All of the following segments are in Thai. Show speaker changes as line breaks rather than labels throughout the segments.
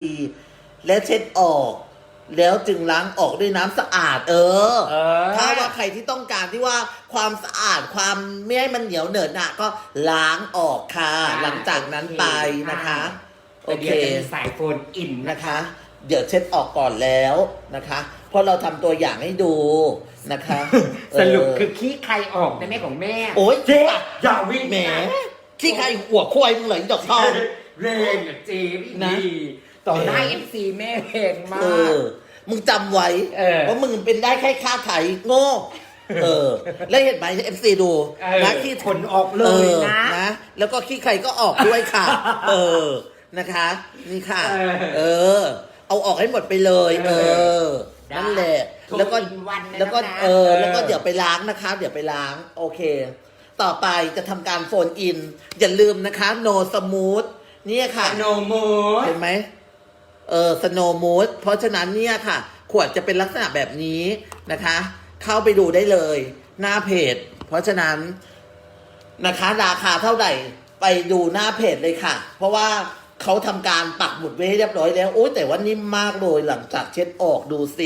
ดีและเช็ดออกแล้วจึงล้างออกด้วยน้ำสะอาดถ้าว่าใครที่ต้องการที่ว่าความสะอาดความไม่ให้มันเหนียวเหนอะหนะก็ล้างออกค่ะหลังจากนั้นไปนะคะโอเค
สายโฟนอิน
นะคะเดี๋ยวเช็ดออกก่อนแล้วนะคะเพราะเราทำตัวอย่างให้ดูนะคะ
สรุปคือขี้ใครออกในแม่ของแม่
โอ๊ย
เจ๊อย่าวิ่ง
แหมขี้ใครหัวควายมึงเหรอดอกทอง
เร่งอ่ะเจ๊นะต่อหน้าFCแม่เพลงมาก
มึงจำไว้เพราะมึงเป็นได้แค่ค่าไถ่โง่แล้วเห็นไหมFCดูนะขี้
ขนออกเลย
นะแล้วก็ขี้ใครก็ออกด้วยค่ะนะคะนี่ค่ะเอาออกให้หมดไปเลยนั่นแหละแล้วก็แล้วก็เดี๋ยวไปล้างนะคะเดี๋ยวไปล้างโอเคต่อไปจะทำการโฟนอินอย่าลืมนะคะ no smooth เนี่ยค่ะ
no mood
เห็นไหมsnow mood เพราะฉะนั้นเนี่ยค่ะขวดจะเป็นลักษณะแบบนี้นะคะเข้าไปดูได้เลยหน้าเพจเพราะฉะนั้นนะคะราคาเท่าไหร่ไปดูหน้าเพจเลยค่ะเพราะว่าเขาทำการปักหมุดไว้ให้เรียบร้อยแล้วโอ้แต่ว่านิ่มมากเลยหลังจากเช็ดออกดูสิ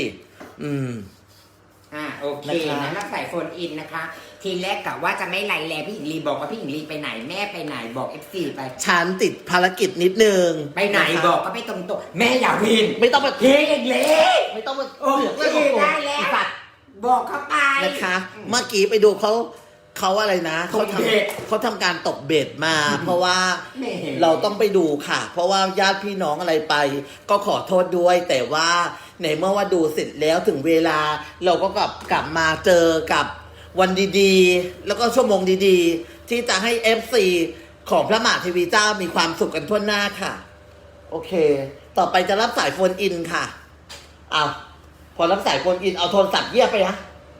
โอเคนะแล้วใส่โฟนอินนะคะทีแรกกะว่าจะไม่ไล่แลพี่หญิงลีบอกว่าพี่หญิงลีไปไหนแม่ไปไหนบอก FC ไป
ฉันติดภารกิจนิดนึง
ไปไหนบอกก็ไปตรงๆแม่อย่าวิน
ไม่ต้องมา
เทเองเลย
ไม่ต้องมา
ได้แล้วบอกเขาไป
นะคะเมื่อกี้ไปดูเขาอะไรนะเขาทำการตกเบ็ดมาเพราะว่าเราต้องไปดูค่ะเพราะว่าญาติพี่น้องอะไรไปก็ขอโทษด้วยแต่ว่าในเมื่อว่าดูเสร็จแล้วถึงเวลาเราก็กลับมาเจอกับวันดีๆแล้วก็ชั่วโมงดีๆที่จะให้ FC ของพระมหาเทวีเจ้ามีความสุขกันทั่วหน้าค่ะโอเคต่อไปจะรับสายโฟนอินค่ะเอาพอรับสายโฟนอินเอาโทรศัพท์เยียบไปนะ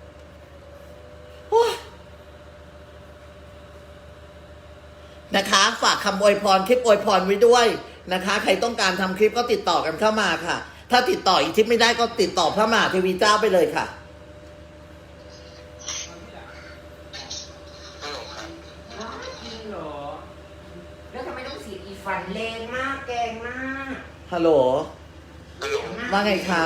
นะคะฝากคำอวยพรคลิปอวยพรไว้ด้วยนะคะใครต้องการทำคลิปก็ติดต่อกันเข้ามาค่ะถ้าติดต่ออีกทิปไม่ได้ก็ติดต่อพระมหาเทวีเจ้าไปเลยค่ะ
แล้วทำไมต้องสีอีฟันแรงมากแกงมาก
ฮัลโหลว่าไงคะ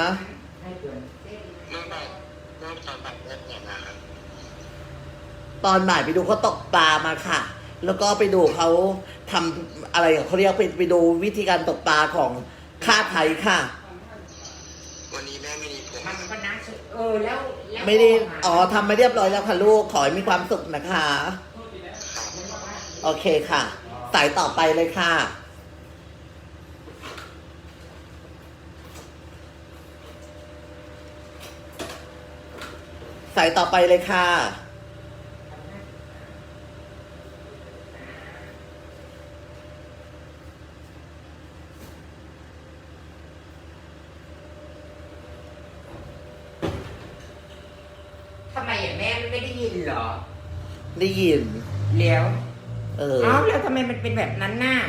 ตอนบ่ายไปดูเขาตกปลามาค่ะแล้วก็ไปดูเขาทำอะไรเขาเรียกไปดูวิธีการตกปลาของค่าไทยค่ะ
วันนี้แม่ไม่มีผม
มันก็น่าแล้ว
ไม่ได้ทำมาเรียบร้อยแล้วค่ะลูกขอให้มีความสุขนะคะโอเคค่ะสายต่อไปเลยค่ะสายต่อไปเลยค่ะ
ทำไมแม่ไม่ได้ยินเหรอ
ได้ยิน
แล้วแล้วทำไมมันเป็นแบบนั้นน่ะ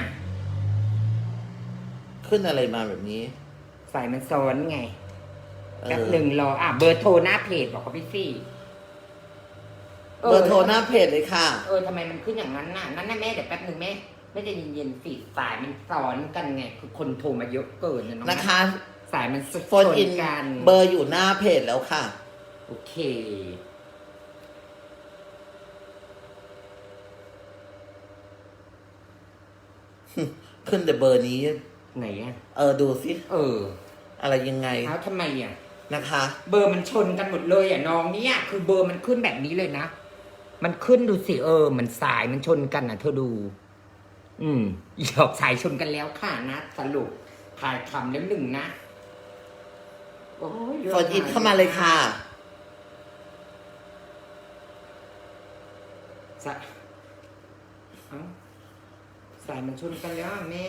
ขึ้นอะไรมาแบบนี้
สายมันซ้อนไงแป๊บหนึ่งรอเบอร์โทรหน้าเพจบอกกับพี่ซี่
เบอร์โทรหน้าเพจเลยค่ะ
ทำไมมันขึ้นอย่างนั้นน่ะนั่นน่ะแม่เดี๋ยวแป๊บหนึ่งแม่ไม่จะเย็นๆสิสายมันซ้อนกันไงคือคนโทรมาเยอะเกิน
นะคะ
สายมัน
โฟนอินกันเบอร์อยู่หน้าเพจแล้วค่ะ
โอเค
ขึ้นแต่เบอร์นี้
ไหน
ดูสิอะไรยังไง
ทำไม
นะคะ
เบอร์มันชนกันหมดเลยน้องเนี่ยคือเบอร์มันขึ้นแบบนี้เลยนะมันขึ้นดูสิมันสายมันชนกันเธอดูหยอกสายชนกันแล้วค่ะนะสรุปถ่ายคำแล้วหนึ่งนะ
โอ้ยโฟนอินเข้ามาเลยค่ะ
สายมันชนกันแล้วแม่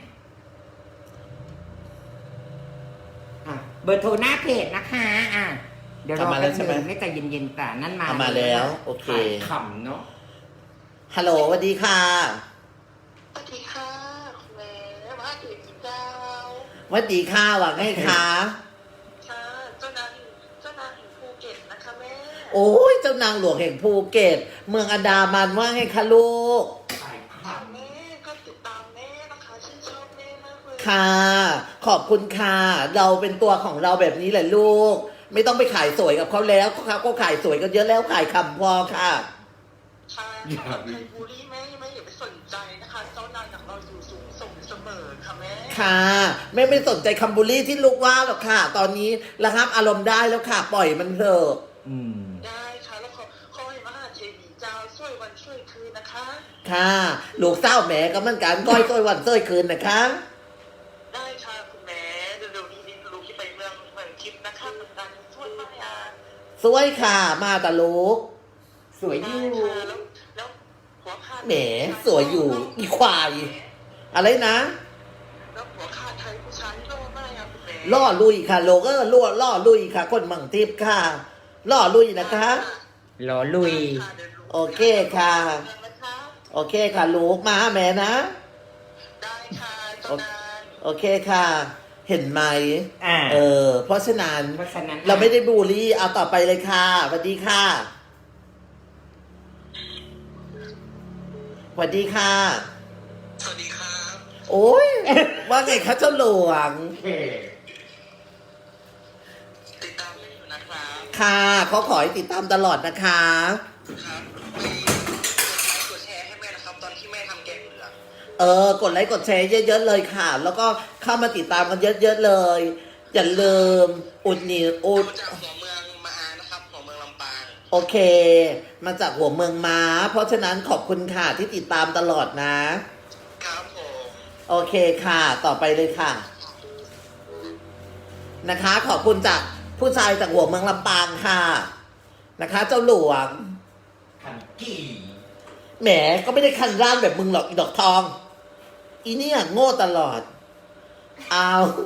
เบอร์โทรหน้าเพจนะคะเดี๋ยวรอแป๊บนึงไม่ใจเย็นๆแต่นั่น
มาแล้วโอเค
ขำเนาะ
ฮัลโหลสวัสดีค่ะ
สวัสดีค่ะแม่ว่าถึงเจ้า
สวัสดีค่ะว่าไงคะ
ค่ะเจ้านางแห่งภูเก็ตนะคะแม่
โอ้ยเจ้านางหลวงแห่งภูเก็ตเมืองอันดามันว่าไงคะลูก
แม่ก็ติดตามแม่นะคะชื่นชอบแม่มากเลย
ค่ะ ขอบคุณค่ะ เราเป็นตัวของเราแบบนี้แหละลูก ไม่ต้องไปขายสวยกับเขาแล้วเขาก็ขายสวยกันเยอะแล้วขายคำพอค่ะ
ค่ะใครบูลลี่แม่อย่าไปสนใจนะคะ เจ้านายของเราอยู่สูงส่งเสมอค่ะแม่
ค่ะไม่สนใจคำบูลลี่ที่ลูกว่าหรอกค่ะ ตอนนี้ระงับอารมณ์ได้แล้วค่ะ ปล่อยมันเถอะ
อืม
ได้ค่ะแล้วขอให้มหาเทวีเจ้าช่วยวันช่วยคืนนะคะ
ค่ะ ลูกเศร้าแหมก็เหมือนกันก้อยต้อยวันเต้ยคืนนะคะ
ได้ค่ะคุณแม่เร็วๆนี้ลูกที่ไปเมืองทิพย์นะคะเป็นการช่วยมากอ่ะ
สวยค่ะมาตาลูก
สวยอ
ได้
ยู่
ค่ะแล้วหัวขาด
แหมสวยอยู่อีควาย อะไรนะ
แล้วหัวขาดไทยผู้ชายโล่มากอ่ะคุณแม่
ล่อลุยค่ะ โลก็ล่อลุยค่ะ คนมังทิพย์ค่ะ ล่อลุยนะคะ
รอลุย
โอเคค่ะ โอเคค่ะ ลูกมาหาแม่นะ
ได้ค่ะเจ้านาย
โอเคค่ะ เห็นไหม
อ่า
เพราะฉะนั้น
เพราะฉะนั้น
เราไม่ได้บูลลี่เอาต่อไปเลยค่ะสวัสดีค่ะสวัสดีค่ะ
สวัสดีครับ
โอ้ย ว่าไงคะเจ้าหลวง
ติดตามเล่นอยู่นะครับ
ค่ะเขาขอให้ติดตามตลอดนะคะ
ครับกดแชร์ให้แม่นะครับ ตอนที่แม่ทำแกงเหลือง
กดไลค์กดแชร์เยอะๆเลยค่ะ แล้วก็เข้ามาติดตามกันเยอะๆเลย อย่าลืมอุดหนีอุด
มาจากหัวเมืองมาอานะครับหัวเมืองลำปาง
โอเค มาจากหัวเมืองม้า เพราะฉะนั้นขอบคุณค่ะที่ติดตามตลอดนะ
ครับผม
โอเคค่ะ ต่อไปเลยค่ะ นะคะ ขอบคุณจากผู้ชายจากหัวเมืองลำปางค่ะ นะคะ เจ้าหลวง
ขันกี่
แหมก็ไม่ได้คันร่านแบบมึงหรอกอีดอกทอง อีเนี่ยโง่ตลอด เอา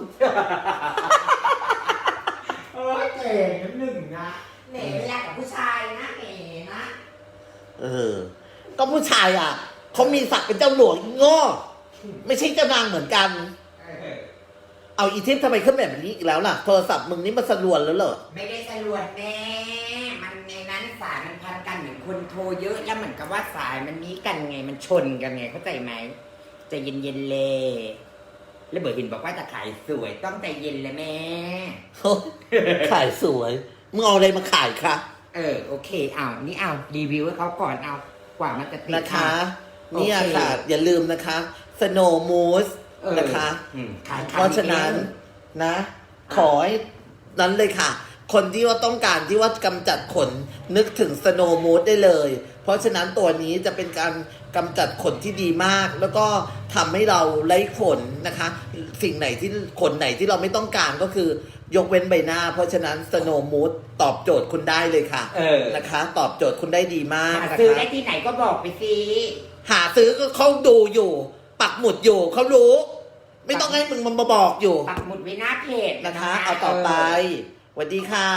โอ้ยเจ๋งน้ำหนึ่งนะแหมเวลากับผู้ชายนะแหมนะ
ก็ผู้ชายอ่ะเขามีศักดิ์เป็นเจ้าหลวงอีโง่ ไม่ใช่เจ้านางเหมือนกัน เอาอีทิพย์ทำไมขึ้นแบบนี้อีกแล้วล่ะ โทรศัพท์มึงนี่มันสะดวนแล้วเหรอ
ไม่ได้สรวจแม่มันในนั้นสายมันพันกันเหมือนคนโทรเยอะแล้วเหมือนกับว่าสายมันนี้กันไงมันชนกันไงเข้าใจไหมใจเย็นๆเลยแล้วเบิร์ดหินบอกว่าจะขายสวยต้องใจเย็นเลยแม่
ขายสวย มึงเอาอะไรมาขายคะ
โอเคเอานี่เอารีวิวให้เขาก่อนเอากว่ามันจะติด
นะคะ
โอเค
เนี่ยค่ะ อย่าลืมนะคะ Snow Mousse นะคะ
ขาย
เพราะฉะนั้นนะ ขอให้นั้นเลยค่ะ คนที่ว่าต้องการที่ว่ากำจัดขนนึกถึง Snow Mousse ได้เลย เพราะฉะนั้นตัวนี้จะเป็นการกำจัดขนที่ดีมาก แล้วก็ทำให้เราไร้ขนนะคะ สิ่งไหนที่ขนไหนที่เราไม่ต้องการก็คือยกเว้นใบหน้า เพราะฉะนั้น Snow Mousse ตอบโจทย์คุณได้เลยค่ะนะคะ ตอบโจทย์คุณได้ดีมาก
หา
นะคะ
ซื้อได้ที่ไหนก็บอกไปสิ
หาซื้อก็เขาดูอยู่ ปักหมุดอยู่เขารู้ ไม่ต้องให้มึงมาบอกอยู่
ปักหมุดไว้หน้าเพจ
นะคะ เอาต่อไปสวัสดีค่ะ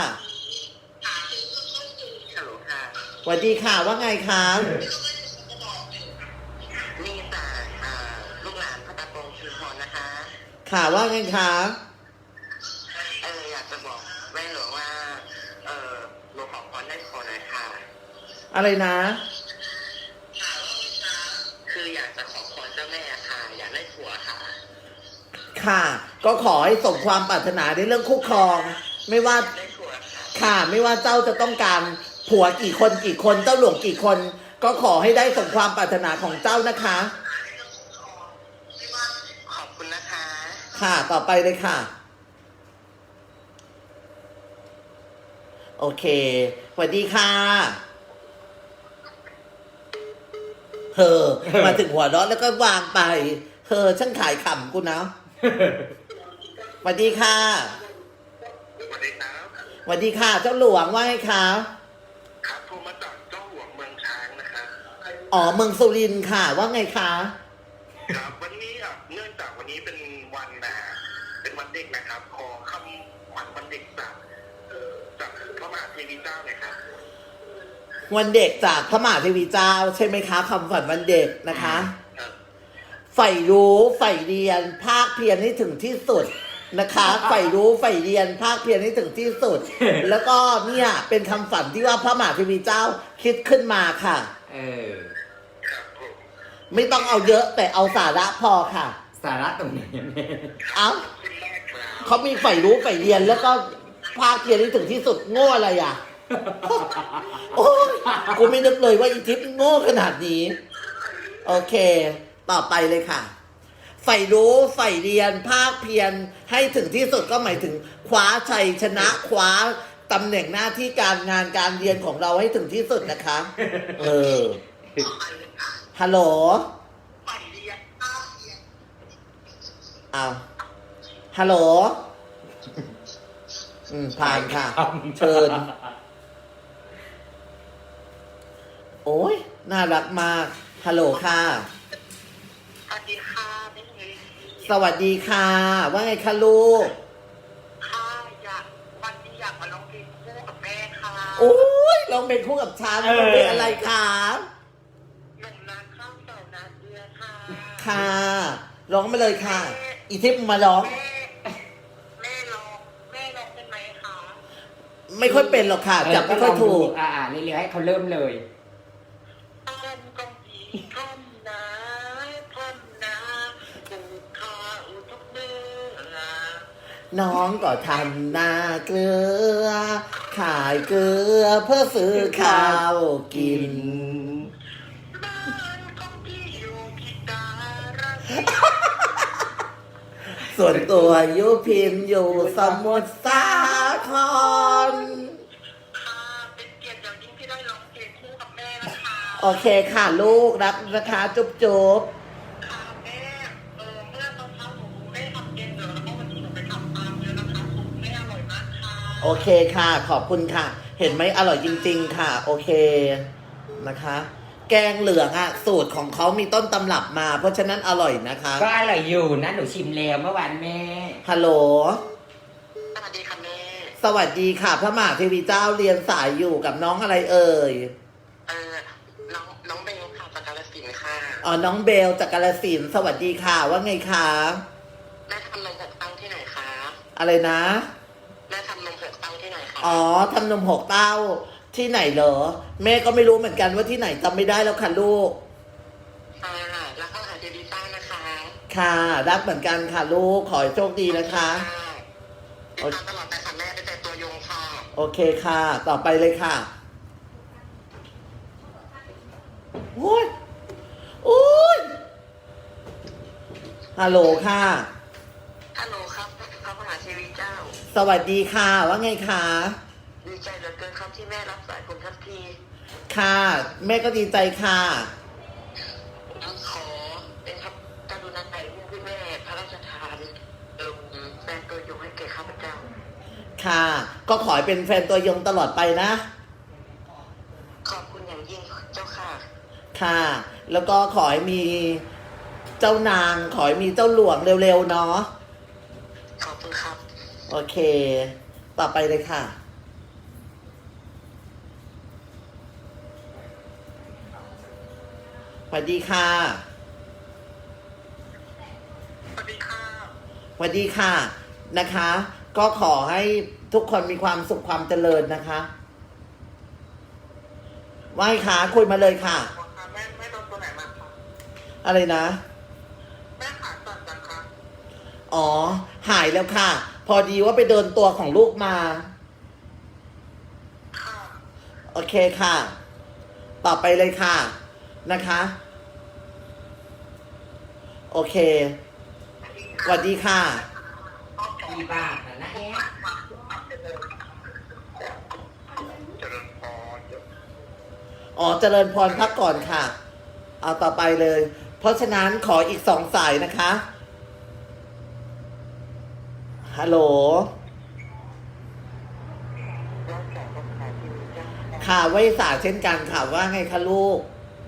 ฮัลโหลค่ะ
สวัสดีค่ะว่าไงคะ
นี่จากลูกหลานพระตาโปงชุมพรนะคะ
ค่ะว่าไงคะ
อยากจะบอกแม่หลวงว่าหนูขอพรได้ขอหน่อยค่ะ
อะไรนะ
คืออยากจะขอพรเจ้าแม่ค่ะ อยากได้ผัวค่ะ
ค่ะ ก็ขอให้สมความปรารถนาในเรื่องคู่ครอง ไม่ว่า
ได้ผัวค่ะ
ค่ะ ไม่ว่าเจ้าจะต้องการผัวกี่คนกี่คนเจ้าหลวงกี่คน ก็ขอให้ได้สมความปรารถนาของเจ้านะคะ
ขอบคุณนะคะ
ค่ะต่อไปเลยค่ะ โอเคสวัสดีค่ะมาถึงหัวเราะแล้วก็วางไปช่างขายขำกูนะสวัสดีค่ะ
สวัสดีครับ
สวัสดีค่ะ เจ้าหลวงว่าไงคะ
ครับโทรมาจากเจ้าหลวงเมืองช้างนะครับ
อ๋อเมืองสุรินทร์ค่ะว่าไงคะ
ครับวันนี้เนื่องจากวันนี้เป็นวันเป็นวันเด็กนะครับ ขอคำขวัญวันเด็กจากพระมหาเทวีเจ้าหน่อยครับ
วันเด็กจากพระมหาเทวีเจ้าใช่ไหมคะคำฝันวันเด็กนะคะ
ครับ
ใฝ่รู้ใฝ่เรียนภาคเพียรให้ถึงที่สุดนะคะใฝ่รู้ใฝ่เรียนภาคเพียรให้ถึงที่สุด แล้วก็เนี่ยเป็นคำฝันที่ว่าพระมหาเทวีเจ้าคิดขึ้นมาค่ะ
ครับผม
ไม่ต้องเอาเยอะแต่เอาสาระพอค่ะ
สาระตรงไหนแม่
เอ้า
ขึ้นแรกครับ
เขามีใฝ่รู้ใฝ่เรียนแล้วก็ภาคเพียรที่ถึงที่สุดโง่อะไรอ่ะ โอ้ยกูไม่นึกเลยว่าอีทิพย์โง่ขนาดนี้ โอเค ต่อไปเลยค่ะใฝ่รู้ใฝ่เรียนภาคเพียรให้ถึงที่สุดก็หมายถึงคว้าชัยชนะคว้าตำแหน่งหน้าที่การงานการเรียนของเราให้ถึงที่สุดนะคะ เออ ฮัลโหล
ไปเรียนภาคเรียน
อ้าวฮัลโหล ผ่านค่ะ เชิญ โอ้ยน่ารักมาก ฮัลโหลค่ะ
สวัสดีค่ะแม่เอ๋
สวัสดีค่ะ ว่าไงคะลูก
ค่ะวันนี้อยากมาร้องเพลงคู่กับแม่ค่ะ
โอ้ยลองเป็นคู่กับฉันลองเป็นอะไรคะ
หนุ่มนาข้าวเต่านาเรือค่ะ
ค่ะร้องมาเลยค่ะ อีทิพย์มาร้อง
แม่ร้องเป็นไหมคะ
ไม่ค่อยเป็นหรอกค่ะ จับไม่ค่อยถูก
เรื่อยๆให้เขาเริ่มเลย
ต้นกองผีท่อนนาปลูกข้าวทุกเดือน
น้องก็ทำนาเกลือ ขายเกลือเพื่อซื้อข้าวกิน
บ้านของพี่อยู่ที่การาษี
ส่วนตัวยุพินอยู่สมุทรสาคร
ค่ะเป็นเกียรติอย่างยิ่งที่ได้ร้องเพลงคู่กับแม่นะคะ
โอเคค่ะลูกรักนะคะจุ๊บจุ๊บ
ค่ะแม่เมื่อตอนเช้าหนูได้ทำเย็นเดี๋ยวแล้วก็วันนี้หนูไปทำตามเลยนะคะสูตรแม่อร่อยมากค่ะ
โอเคค่ะ ขอบคุณค่ะ เห็นไหมอร่อยจริงๆค่ะ โอเคนะคะ แกงเหลืองอ่ะ สูตรของเขามีต้นตำรับมา เพราะฉะนั้นอร่อยนะคะ
ก็อร่อยอยู่นะหนูชิมแล้วเมื่อวานแม่
ฮัลโหล
สวัสดีค่ะแม่
สวัสดีค่ะ พระมหาเทวีเจ้าเรียนสายอยู่กับน้องอะไรเอ่ย
น้องเบลค่ะจากกาฬสินธุ์ค่ะ
อ๋อน้องเบลจากกาฬสินธุ์สวัสดีค่ะ ว่าไงคะ
แม่ทำนมหกเต้าที่ไหนคะ
อะไรนะ
แม่ทำนมหกเต้าที่ไหนคะ
อ๋อทำนมหกเต้าที่ไหนเหรอ แม่ก็ไม่รู้เหมือนกันว่าที่ไหนจำไม่ได้แล้วค่ะลูก
ค่ะแล้วก็หาเจดีซ่านะคะ
ค่ะรักเหมือนกันค่ะลูก ขอให้โชคดีนะคะ
ติดตามตลอดไปค่ะแม่ได้แต่ตัวยงค่ะ
โอเคค่ะ ต่อไปเลยค่ะโอ้ยโอ้ยฮัลโหลค่ะ
ฮัลโหลครับพระมหาเทวีเจ้า
สวัสดีค่ะ ว่าไงคะ
ดีใจเหลือเกินครับที่แม่รับสายผมทันที
ค่ะ แม่ก็ดีใจค่ะ
ขอเป็นครับกรุณาถ่ายรูปให้แม่พระราชทานแฟนตัวยงให้แก่ข้าพเจ้า
ค่ะ ก็ขอให้เป็นแฟนตัวยงตลอดไปนะ
ขอบคุณอย่างยิ่งเจ้าค่ะ
ค่ะ แล้วก็ขอให้มีเจ้านาง ขอให้มีเจ้าหลวงเร็วๆเนาะ
ขอบคุณครับ
โอเค ต่อไปเลยค่ะ สวัสดีค่ะ
สวัสดีค่ะ
สวัสดีค่ะ นะคะ ก็ขอให้ทุกคนมีความสุขความเจริญนะคะว่าไงคะคุยมาเลยค่ะ
แม่โดนตัวไหนมาคะ
อะไรนะ
แม่ขาสั่นจังคะ
อ๋อ หายแล้วค่ะ พอดีว่าไปเดินตัวของลูกมา
ค่ะ
โอเคค่ะ ต่อไปเลยค่ะ นะคะ โอเค สวัสดีค่ะ
ดีบาทนะแอ๊ะ
เจริญพร
อ๋อ เจริญพรพักก่อนค่ะ เอาต่อไปเลย เพราะฉะนั้นขออีก2 สายนะคะ ฮัลโหล
รักษารักษาที่เจ้า
ค่ะไว้สาเช่นกันค่ะ ว่าไงคะลูก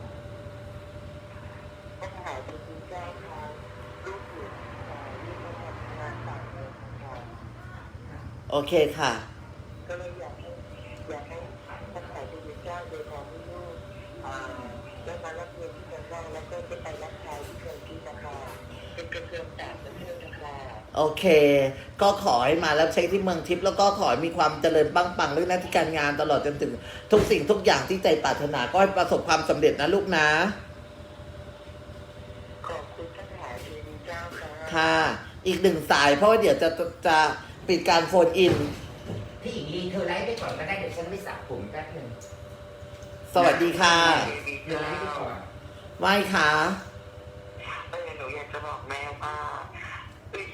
พระมหาเทวีเจ้าค่ะลูกอยู่ที่จังหวัดงานต่างเมืองค่ะ
โอเคค่ะ
ก็เลยอยากให้พระมหาเทวีเจ้าโดยความที่ลูกได้มารับเงินที่เมืองนอกแล้วก็จะไปรับชายที่เมืองที่นะคะเป็นกระเทียมต่างประเทศนะคะ
โอเค ก็ขอให้มารับใช้ที่เมืองทิพย์แล้วก็ขอให้มีความเจริญปังปังเรื่องหน้าที่การงานตลอดจนถึงทุกสิ่งทุกอย่างที่ใจปรารถนาก็ให้ประสบความสำเร็จนะลูกนะ
ขอบคุณพระมหาเทวีเจ้าค่ะ
ค่ะ อีกหนึ่งสายเพราะว่าเดี๋ยวจะปิดการโฟนอิน
พี่หญิงลีเธอไลฟ์ไปก่อนก็ได้เดี๋ยวฉันไปสระผมแป๊บหนึง
สวัสดีค่ะ
เดี๋ยวไลฟ์ไปก่อน
ไหว้ค่ะ
หนูอยากจะบอกแม่ว่าเอ้ย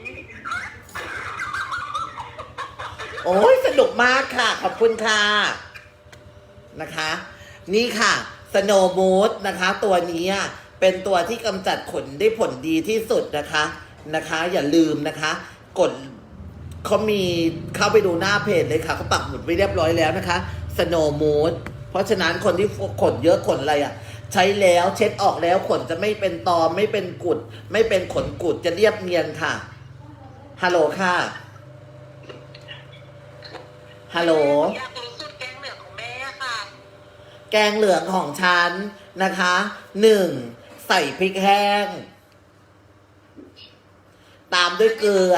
โอ้ยสนุกมากค่ะ ขอบคุณค่ะนะคะ นี่ค่ะสโนมูดนะคะ ตัวนี้เป็นตัวที่กำจัดขนได้ผลดีที่สุดนะคะ อย่าลืมนะคะ กดเขามีเข้าไปดูหน้าเพจเลยค่ะเขาปักหมุดไว้เรียบร้อยแล้วนะคะสโนมูดเพราะฉะนั้นคนที่ขนเยอะขนอะไรใช้แล้วเช็ดออกแล้วขนจะไม่เป็นตอมไม่เป็นกุด ไม่เป็นขนกุดจะเรียบเนียนค่ะฮัลโหลค่ะฮัลโหล
อยากรู้สูตรแกงเหลืองของแม่ค่ะ
แกงเหลืองของฉันนะคะ1ใส่พริกแห้ง ตามด้วยเกลือ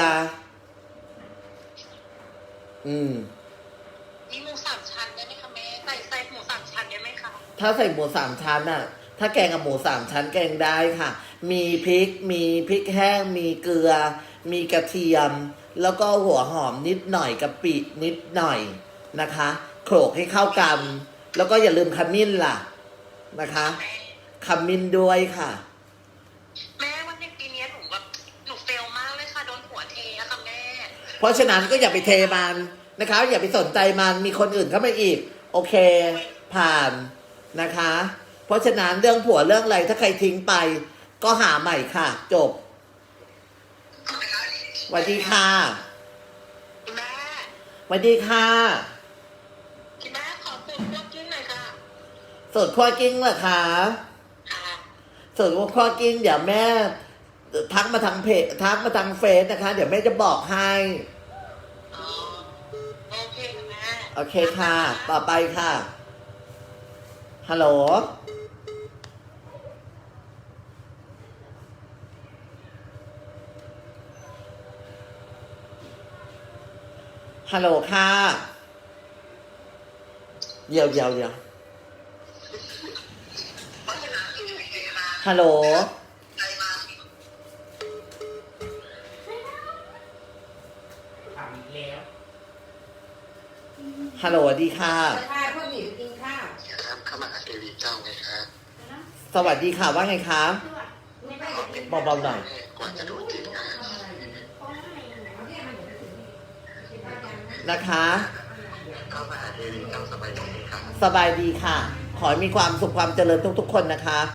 มีหมูสามชั้นได้ไหมคะแม่ใส่หมูสามชั้นได้ไหมคะ
ถ้าใส่หมูสามชั้นถ้าแกงกับหมูสามชั้นแกงได้ค่ะ มีพริกแห้ง มีเกลือ มีกระเทียม แล้วก็หัวหอมนิดหน่อยกะปินิดหน่อยนะคะโขลกให้เข้ากัน แล้วก็อย่าลืมขมิ้นล่ะนะคะขมิ้นด้วยค่ะ
แม่วันในปีนี้หนูเฟลมากเลยค่ะโดนหัวเทอะค่ะแม่
เพราะฉะนั้นก็อย่าไปเทมันนะคะ อย่าไปสนใจมันมีคนอื่นเข้ามาอีก โอเค ผ่านนะคะ เพราะฉะนั้นเรื่องผัวเรื่องอะไรถ้าใครทิ้งไป ก็หาใหม่ค่ะ จบสวัสดีค่ะ
แม่
สวัสดีค่ะ
แม่ขอสูตรพวกกิ้งหน่อยค่ะ
สูตรคั่วกิ้งเหรอคะ
ค่ะ
สูตรคั่วกิ้งเดี๋ยวแม่ทักมาทางเพจทักมาทางเฟซนะคะ เดี๋ยวแม่จะบอกให้
อ๋อโอเคค่ะแม่
โอเคค่ะ ต่อไปค่ะ ฮัลโหล ฮัลโหลค่ะ เดี๋ยวฮัลโหล
ทำอีกแล้ว
ฮัลโหลสวัสดีค่ะ
ค่ะพ่อหมีไปกินข้าว
ครับเข้ามาหาเทวีเจ้าไงครับ
สวัสดีค่ะ ว่าไงคะเบาๆหน่อย
กว่าจะโดนจริงนะ
นะคะ
เข้ามาหาเทวีเจ้าสบายดีครับ
สบายดีค่ะ ขอให้มีความสุขความเจริญทุกๆคนนะคะ